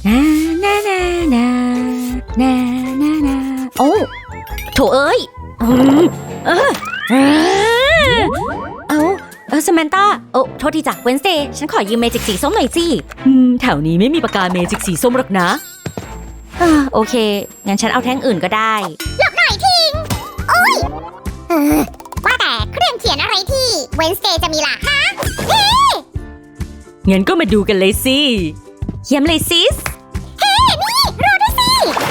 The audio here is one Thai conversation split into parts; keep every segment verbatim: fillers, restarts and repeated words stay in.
นานานานานานานาโอ้โถเอ้ยอืมเออเออเอาเออสแมนต้าโอ้โทษทีจ้ะเวนสเดย์ฉันขอยืมเมจิกสีส้มหน่อยสิอืมแถวนี้ไม่มีปากกาเมจิกสีส้มหรอกนะอ่าโอเคงั้นฉันเอาแท่งอื่นก็ได้หลบหน่อยทิงโอ้ยเออว่าแต่เครื่องเขียนอะไรที่เวนสเดย์จะมีล่ะฮะเฮ้งั้นก็มาดูกันเลยสิเยี่ยมเลยซิสเฮ้นี่รอด้วยสิ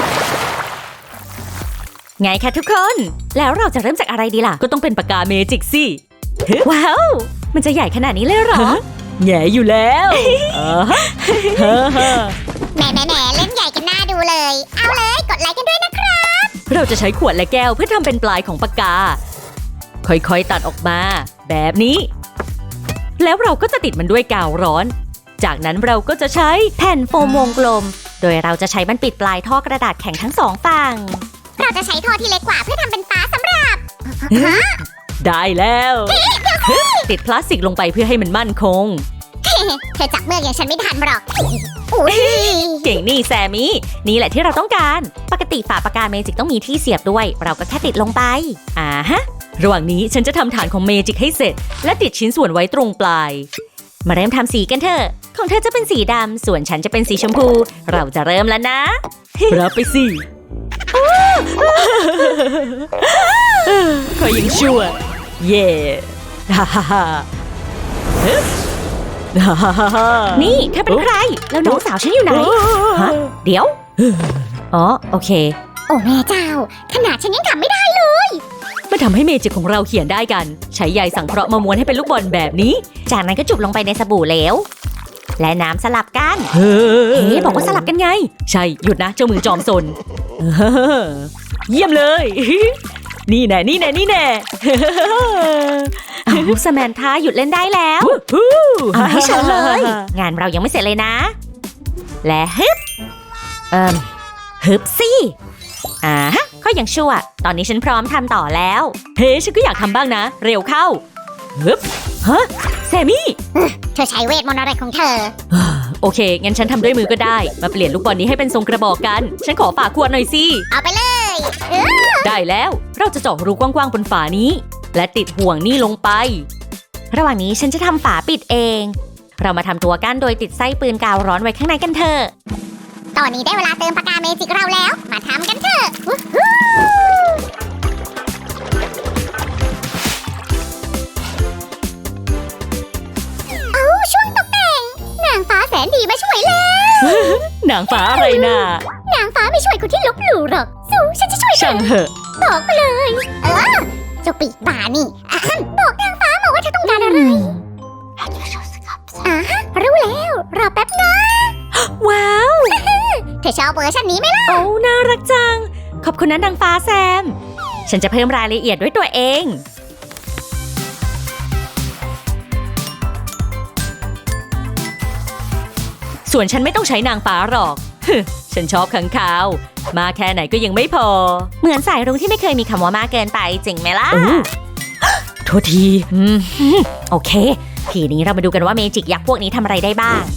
ไงคะทุกคน แล้วเราจะเริ่มจากอะไรดีล่ะ ก็ต้องเป็นปากกาเมจิกสิ ว้าว มันจะใหญ่ขนาดนี้เลยเหรอ แง่อยู่แล้วแหมแหมแหมเล่นใหญ่กันหน้าดูเลย เอาเลยกดไลค์กันด้วยนะครับเราจะใช้ขวดและแก้วเพื่อทำเป็นปลายของปากกา ค่อยๆตัดออกมา แบบนี้ แล้วเราก็จะติดมันด้วยกาวร้อน จากนั้นเราก็จะใช้แผ่นโฟมวงกลม โดยเราจะใช้มันปิดปลายท่อกระดาษแข็งทั้งสองฝั่งเราจะใช้ท่อที่เล็กกว่าเพื่อทำเป็นฟ้าสำหรับได้แล้ว ติดพลาสติกลงไปเพื่อให้มันมั่นคงเธอจับเมือกอย่างฉันไม่ทันหรอกอุ้ยเก่งนี่แซมมี่นี่แหละที่เราต้องการ ปกติฝาปากกาเมจิกต้องมีที่เสียบด้วย เราก็แค่ติดลงไปอ่าฮะระหว่างนี้ฉันจะทำฐานของเมจิกให้เสร็จ และติดชิ้นส่วนไว้ตรงปลาย มาเริ่มทำสีกันเถอะของเธอจะเป็นสีดำส่วนฉันจะเป็นสีชมพู เราจะเริ่มแล้วนะ รับไปสิคอยยังชั่วเย่ฮ่าฮ่าฮ่านี่เธอเป็นใครแล้วน้องสาวฉันอยู่ไหนฮะเดี๋ยวอ๋อโอเคโอ้แม่เจ้าขนาดฉันยังทำไม่ได้เลยมาทำให้เมจิกของเราเขียนได้กันใช้ใยสังเคราะห์มาม้วนให้เป็นลูกบอลแบบนี้จากนั้นก็จุบลงไปในสบู่เหลวและน้ำสลับกันเฮ้บอกว่าสลับกันไงใช่หยุดนะเจ้ามือจอมซนเยี่ยมเลยนี่แน่นี่แน่นี่แน่เอาสแมนธาหยุดเล่นได้แล้วเอาให้ฉันเลยงานเรายังไม่เสร็จเลยนะและฮึบเอ่มฮึบสิอ่าฮะก็ยังชั่วตอนนี้ฉันพร้อมทำต่อแล้วเฮ้ฉันก็อยากทำบ้างนะเร็วเข้าฮึบฮะแซมมี่เธอใช้เวทมนต์อะไรของเธอโอเคงั้นฉันทำด้วยมือก็ได้มาเปลี่ยนลูกบอลนี้ให้เป็นทรงกระบอกกันฉันขอฝาขวดหน่อยสิเอาไปเลยเออได้แล้วเราจะเจาะรูกว้างๆบนฝานี้และติดห่วงนี่ลงไประหว่างนี้ฉันจะทำฝาปิดเองเรามาทำตัวกั้นโดยติดไส้ปืนกาวร้อนไว้ข้างในกันเถอะตอนนี้ได้เวลาเติมปากกาเมจิกเราแล้วมาทำกันเถอะวู้ฮู้เอาช่วงตกแต่งนางฟ้าแสนดีมาช่วยแล้วนางฟ้าอะไรน่ะนางฟ้าไม่ช่วยคนที่ลบหลู่หรอกสู้ฉันจะช่วยเธช่างอเถอะบอกมาเลยเออเจ้าปีกบ่านี่อะฮั่นบอกนางฟ้ามาว่าเธอต้องการอะไรอ่าฮะรู้แล้วรอแป๊บนะว้าวเธอชอบเวอร์ชันนี้ไหมล่ะโอ้น่ารักจังขอบคุณนะนางฟ้าแซมฉันจะเพิ่มรายละเอียดด้วยตัวเองส่วนฉันไม่ต้องใช้นางฟ้าหรอก ฉันชอบขังขาวมาแค่ไหนก็ยังไม่พอเหมือนสายรุ้งที่ไม่เคยมีคำว่ามากเกินไปจริงไหมล่ะ โทษทีอืมโอเคทีนี้เรามาดูกันว่าเมจิกยักษ์พวกนี้ทำอะไรได้บ้าง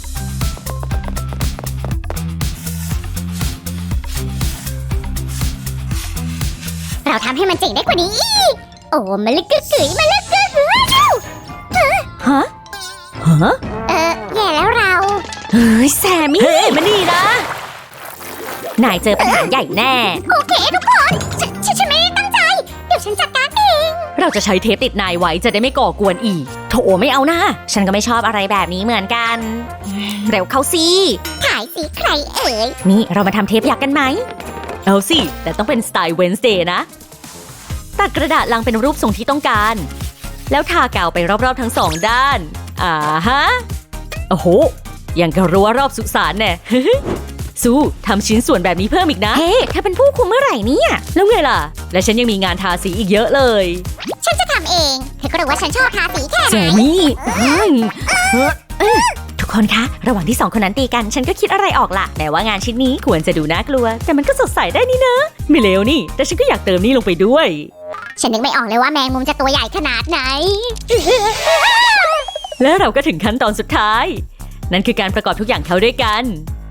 เราทำให้มันเจ๋งได้กว่านี้อีกโอ้มาลึกกึ๋ยมาลึกกึ๋ยฮะฮะเออแย่แล้วเราเฮ้ยแซมมี่เฮ้ยมานี่นะนายเจอปัญหาใหญ่แน่โอเคทุกคนฉันฉันฉันไม่ได้ตั้งใจเดี๋ยวฉันจัดการเองเราจะใช้เทปติดนายไว้จะได้ไม่ก่อกวนอีกโถไม่เอานะฉันก็ไม่ชอบอะไรแบบนี้เหมือนกันเร็วเข้าสิถ่ายสิใครเอ่ยนี่เรามาทำเทปยักษ์กันไหมเอาสิแต่ต้องเป็นสไตล์เวนสเดย์นะตัดกระดาษลังเป็นรูปทรงที่ต้องการแล้วทากาวไปรอบๆทั้งสองด้านอ่าฮะโอ้โหยังกระรั้วรอบสุสานแน่ สู้ทำชิ้นส่วนแบบนี้เพิ่มอีกนะเฮ้เธอเป็นผู้คุมเมื่อไหร่เนี่ยแล้วไงล่ะและฉันยังมีงานทาสีอีกเยอะเลยฉันจะทำเองเธอก็รู้ว่าฉันชอบทาสีแค่ไหแจนนี่ทุกคนคะระหว่างที่สองคนนั้นตีกันฉันก็คิดอะไรออกล่ะแต่ว่างานชิ้นนี้ควรจะดูน่ากลัวแต่มันก็สดใสได้นี่นะไม่เลวนี่แต่ฉันก็อยากเติมนี่ลงไปด้วยฉันนึกไม่ออกเลยว่าแมงมุมจะตัวใหญ่ขนาดไหนและเราก็ถึงขั้นตอนสุดท้ายนั่นคือการประกอบทุกอย่างเข้าด้วยกัน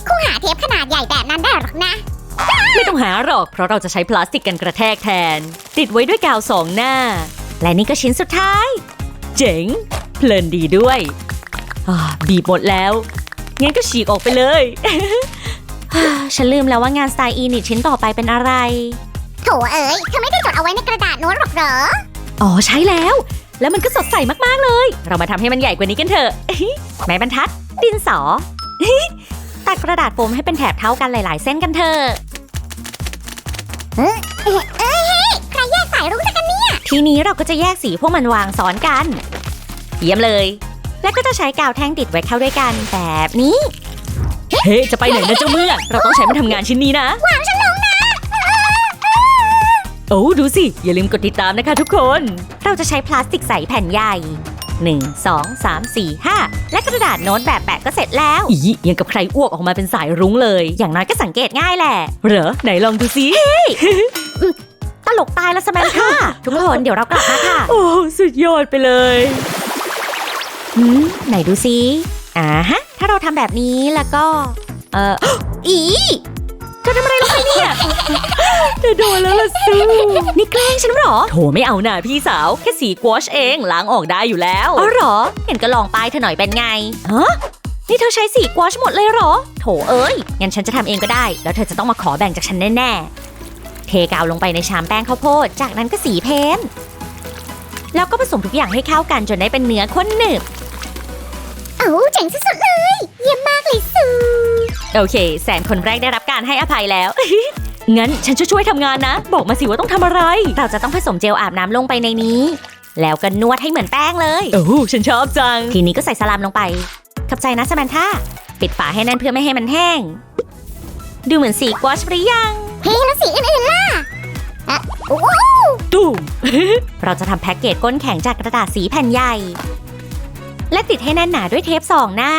คงหาเทปขนาดใหญ่แบบนั้นได้หรอกนะไม่ต้องหาหรอกเพราะเราจะใช้พลาสติกกันกระแทกแทน ติดไว้ด้วยกาวสองหน้า และนี่ก็ชิ้นสุดท้าย เจ๋ง เพลินดีด้วยอ่าบีบหมดแล้ว งั้นก็ฉีกออกไปเลย ฉันลืมแล้วว่างานสไตล์อีนิตชิ้นต่อไปเป็นอะไรโถเอ๋ยเธอไม่ได้จดเอาไว้ในกระดาษโน้ตหรอกเหรออ๋อใช่แล้ว แล้วมันก็สดใสมากๆเลย เรามาทำให้มันใหญ่กว่านี้กันเถอะ ไม้บรรทัด ดินสอ ตัดกระดาษโฟมให้เป็นแถบเท่ากันหลาย ๆ เส้นกันเถอะเอ้ยเอ้ยเฮ้ยใครแยกสายรุ้งจากกันเนี่ยทีนี้เราก็จะแยกสีพวกมันวางซ้อนกัน เยี่ยมเลย แล้วก็จะใช้กาวแท่งติดไว้เข้าด้วยกันแบบนี้ เฮ้ จะไปไหนนะเจ้าเมื่อกเราต้องใช้มันทำงานชิ้นนี้นะวางฉันลงนะโอ้ดูสิ อย่าลืมกดติดตามนะคะทุกคน เราจะใช้พลาสติกใสแผ่นใหญ่ หนึ่ง สอง สาม สี่ ห้า และกระดาษโน้ตแบบแปะก็เสร็จแล้ว อียังกับใครอ้วกออกมาเป็นสายรุ้งเลย อย่างน้อยก็สังเกตง่ายแหละ เหรอ ไหนลองดูสิ ตลกตายแล้วสแมนค่ะ ทุกคนเดี๋ยวเรากลับมาค่ะ โอ้สุดยอดไปเลยหืมไหนดูสิอ่าฮะ ถ้าเราทำแบบนี้แล้วก็ เออ อีเธอทำอะไรลงไปเนี่ย เธอโดนแล้วล่ะซูนี่แกล้งฉันเหรอ โถไม่เอาหน่าพี่สาว แค่สีกวอชเองล้างออกได้อยู่แล้วอ๋อเหรอ เห็นก็ลองป้ายเธอหน่อยเป็นไงฮะนี่เธอใช้สีกวอชหมดเลยเหรอ โถเอ้ย งั้นฉันจะทำเองก็ได้ แล้วเธอจะต้องมาขอแบ่งจากฉันแน่ๆ เทกาวลงไปในชามแป้งข้าวโพด จากนั้นก็สีเพ้นท์แล้วก็ผสมทุกอย่างให้เข้ากันจนได้เป็นเนื้อข้นหนึบเอ้าเจ๋งสุดๆเลย เยี่ยมมากเลยซูโอเค แสนคนแรกได้รับการให้อภัยแล้ว งั้นฉันจะช่วยทำงานนะ บอกมาสิว่าต้องทำอะไร เราจะต้องผสมเจลอาบน้ำลงไปในนี้ แล้วก็นวดให้เหมือนแป้งเลย โอ้ฉันชอบจัง ทีนี้ก็ใส่สลามลงไป ขอบใจนะสแมนท่าปิดฝาให้แน่นเพื่อไม่ให้มันแห้ง ดูเหมือนสีกวอชหรือยังเฮ้แล้วสีอื่นๆล่ะอะโอ้โหตูม เราจะทำแพ็กเกจก้นแข็งจากกระดาษสีแผ่นใหญ่ และติดให้แน่นหนาด้วยเทปสองหน้า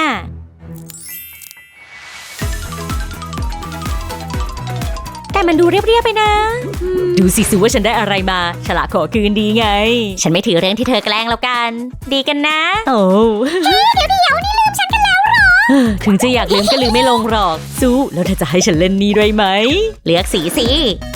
แต่มันดูเรียบๆไปนะ ดูสิสิว่าฉันได้อะไรมา ฉลาดขอคืนดีไง ฉันไม่ถือเรื่องที่เธอแกล้งแล้วกัน ดีกันนะ โอ้เดี๋ยวเดี๋ยวนี่ลืมฉันกันแล้วเหรอถึงจะอยากลืมก็ลืมไม่ลงหรอก สู้แล้วเธอจะให้ฉันเล่นนี่ด้วยไหม เลือกสีสิ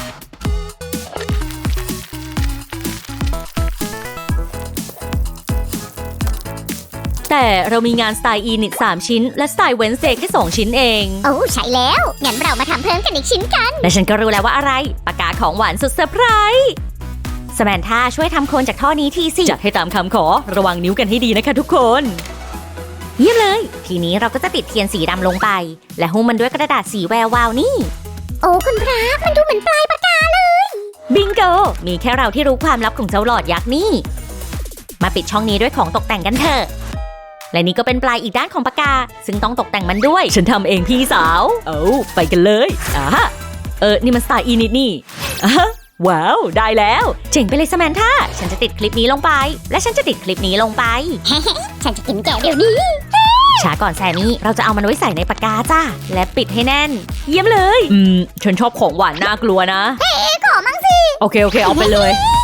แต่เรามีงานสไตล์อีนิตสามชิ้น และสไตล์เวนเซแค่สองชิ้นเองโอ้ใช่แล้ว งั้นเรามาทำเพิ่มกันอีกชิ้นกันและฉันก็รู้แล้วว่าอะไร ปากกาของหวานสุดเซอร์ไพรส์สแมนท่าช่วยทำโคนจากท่อนี้ทีสิ จัดให้ตามคำขอ ระวังนิ้วกันให้ดีนะคะทุกคน เยี่ยมเลย ทีนี้เราก็จะติดเทียนสีดำลงไป และหุ้มมันด้วยกระดาษสีแวววาวนี่โอ้คุณพระมันดูเหมือนปลายปากกาเลยบิงโก มีแค่เราที่รู้ความลับของเจ้าหลอดยักษ์นี่ มาปิดช่องนี้ด้วยของตกแต่งกันเถอะ และนี่ก็เป็นปลายอีกด้านของปากกา ซึ่งต้องตกแต่งมันด้วย ฉันทำเองพี่สาว เอาไปกันเลยอ่าฮะเออ นี่มันสไตล์อีนิดนี่อ่ะฮะว้าว ได้แล้ว เจ๋งไปเลยสแมนท่าฉันจะติดคลิปนี้ลงไป และฉันจะติดคลิปนี้ลงไปฉันจะกินแกเดี๋ยวนี้ช้าก่อนแซมมี่ เราจะเอามันไว้ใส่ในปากกาจ้า และปิดให้แน่น เยี่ยมเลย อืม ฉันชอบของหวานน่ากลัวนะเอ๊ะขอมั่งสิโอเค โอเค เอาไปเลย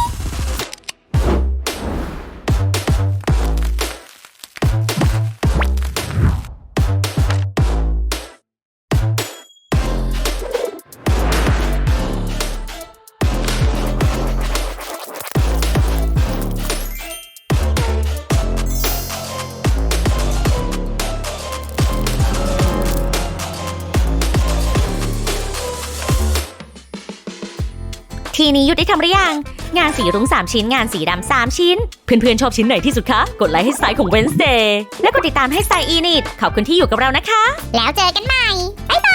ทีนี้ยุติทำหรือยัง งานสีรุ้งสามชิ้น งานสีดำสามชิ้น เพื่อนๆชอบชิ้นไหนที่สุดคะ กดไลค์ให้สไตล์ของ Wednesday และกดติดตามให้สไตล์อีนิตขอบคุณที่อยู่กับเรานะคะแล้วเจอกันใหม่ บ๊ายบาย